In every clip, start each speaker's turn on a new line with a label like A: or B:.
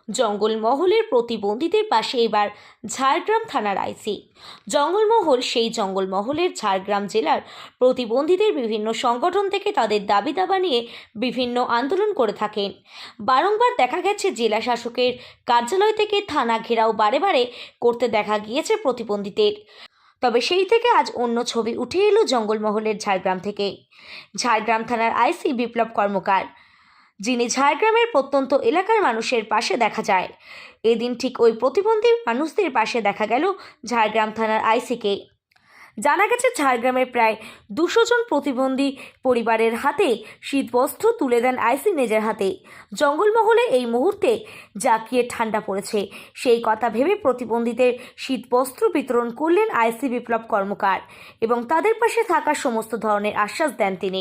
A: জঙ্গলমহলের প্রতিবন্ধীদের পাশে এবার ঝাড়গ্রাম থানার আইসি। জঙ্গলমহল সেই জঙ্গলমহলের ঝাড়গ্রাম জেলার প্রতিবন্ধীদের বিভিন্ন সংগঠন থেকে তাদের দাবি দাবা নিয়ে বিভিন্ন আন্দোলন করে থাকেন। বারংবার দেখা গেছে জেলা শাসকের কার্যালয় থেকে থানা ঘেরাও বারে বারে করতে দেখা গিয়েছে প্রতিবন্ধীদের। তবে সেই থেকে আজ অন্য ছবি উঠে এলো জঙ্গলমহলের ঝাড়গ্রাম থেকে। ঝাড়গ্রাম থানার আইসি বিপ্লব কর্মকার, যিনি ঝাড়গ্রামের প্রত্যন্ত এলাকার মানুষের পাশে দেখা যায়। এদিন ঠিক ওই প্রতিবন্ধী মানুষদের পাশে দেখা গেল ঝাড়গ্রাম থানার আইসিকে। জানা গেছে ঝাড়গ্রামের প্রায় 200 জন প্রতিবন্ধী পরিবারের হাতে শীতবস্ত্র তুলে দেন আইসি নিজের হাতে। জঙ্গলমহলে এই মুহূর্তে জাঁকিয়ে ঠান্ডা পড়েছে, সেই কথা ভেবে প্রতিবন্ধীদের শীতবস্ত্র বিতরণ করলেন আইসি বিপ্লব কর্মকার এবং তাদের পাশে থাকার সমস্ত ধরনের আশ্বাস দেন তিনি।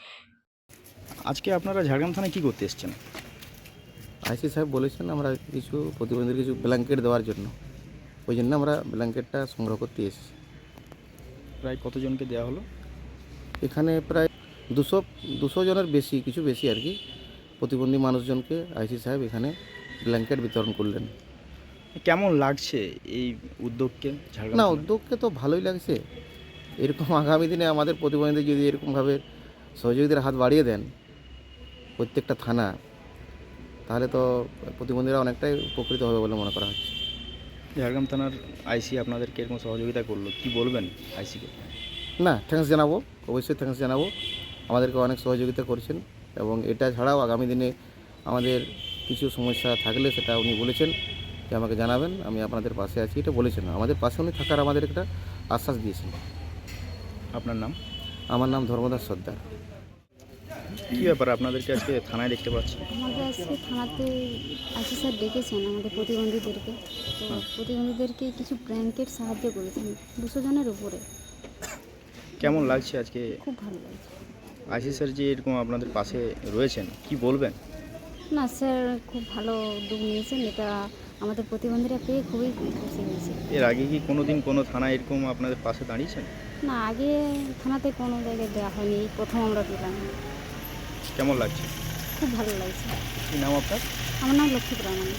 B: আজকে আপনারা ঝাড়গ্রাম থানায় কী করতে এসেছেন?
C: আইসি সাহেব বলেছেন আমরা কিছু প্রতিবন্ধীদের কিছু ব্ল্যাঙ্কেট দেওয়ার জন্য, ওই জন্য আমরা ব্ল্যাঙ্কেটটা সংগ্রহ করতে এসেছি।
B: প্রায় কতজনকে দেওয়া হলো?
C: এখানে প্রায় 200 জনের কিছু বেশি আর কি প্রতিবন্ধী মানুষজনকে আইসি সাহেব এখানে ব্ল্যাঙ্কেট বিতরণ করলেন।
B: কেমন লাগছে এই উদ্যোগকে? ঝাড়গ্রাম
C: না,
B: থানায়?
C: উদ্যোগকে তো ভালোই লাগছে। এরকম আগামী দিনে আমাদের প্রতিবন্ধীদের যদি এরকমভাবে সহযোগিতার হাত বাড়িয়ে দেন প্রত্যেকটা থানা, তাহলে তো প্রতিবন্ধীরা অনেকটাই উপকৃত হবে বলে মনে করা হচ্ছে।
B: ঝাড়গ্রাম থানার আইসি আপনাদেরকে এরকম সহযোগিতা করলো, কি বলবেন আইসিকে?
C: না, থ্যাঙ্কস জানাবো, অবশ্যই থ্যাঙ্কস জানাবো। আমাদেরকে অনেক সহযোগিতা করছেন এবং এটা ছাড়াও আগামী দিনে আমাদের কিছু সমস্যা থাকলে সেটা উনি বলেছেন যে আমাকে জানাবেন, আমি আপনাদের পাশে আছি, এটা বলেছেন। আমাদের পাশে উনি থাকার আমাদের একটা আশ্বাস দিয়েছেন।
B: আপনার নাম?
C: আমার নাম ধর্মদাস সর্দার।
B: কী ব্যাপার আপনাদেরকে আজকে থানায় দেখতে পাচ্ছি?
D: আমাদের আজকে থানাতে আইসি স্যার ডেকেছেন আমাদের প্রতিবন্ধীদেরকে। তো প্রতিবন্ধীদেরকে কিছু ব্ল্যাঙ্কেট সাহায্য করেছেন 200 জনের উপরে।
B: কেমন লাগছে আজকে?
D: খুব ভালো লাগছে।
B: আইসি স্যার যে এরকম আপনাদের পাশে রয়েছেন, কি বলবেন?
D: না স্যার, খুব ভালো উদ্যোগ নিয়েছেন, এটা আমাদের প্রতিবন্ধীরা পেয়ে খুবই খুশি হয়েছে।
B: এর আগে কি কোনো দিন কোনো থানায় এরকম আপনাদের পাশে দাঁড়িয়েছেন?
D: না, আগে থানাতে কোনো জায়গায় দেওয়া হয়নি, এই প্রথম আমরা পেলাম।
B: কেমন লাগছে?
D: খুব ভালো লাগছে।
B: কী নাম আপনার?
D: আমার নাম লক্ষ্মী প্রামাণিক।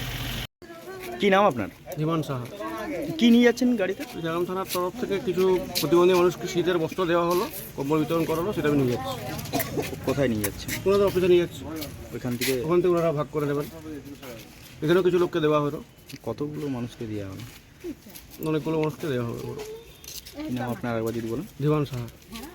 B: কী নাম আপনার?
E: জীবন সাহা।
B: কী নিয়ে যাচ্ছেন গাড়িতে?
E: ঝাড়গ্রাম থানার তরফ থেকে কিছু প্রতিবন্ধী মানুষকে শীতের বস্ত্র দেওয়া হলো, কম্বল বিতরণ করা হলো, সেটা আমি নিয়ে যাচ্ছি।
B: কোথায় নিয়ে যাচ্ছেন?
E: ওনাদের অফিসে নিয়ে যাচ্ছি,
B: ওইখান থেকে
E: ওখান থেকে ওনারা ভাগ করে নেবেন। এখানেও কিছু লোককে দেওয়া হলো,
B: কতগুলো মানুষকে দেওয়া হলো?
E: অনেকগুলো মানুষকে দেওয়া হবে।
B: কী নাম আপনার একবার যদি বলেন?
E: জীবন সাহা।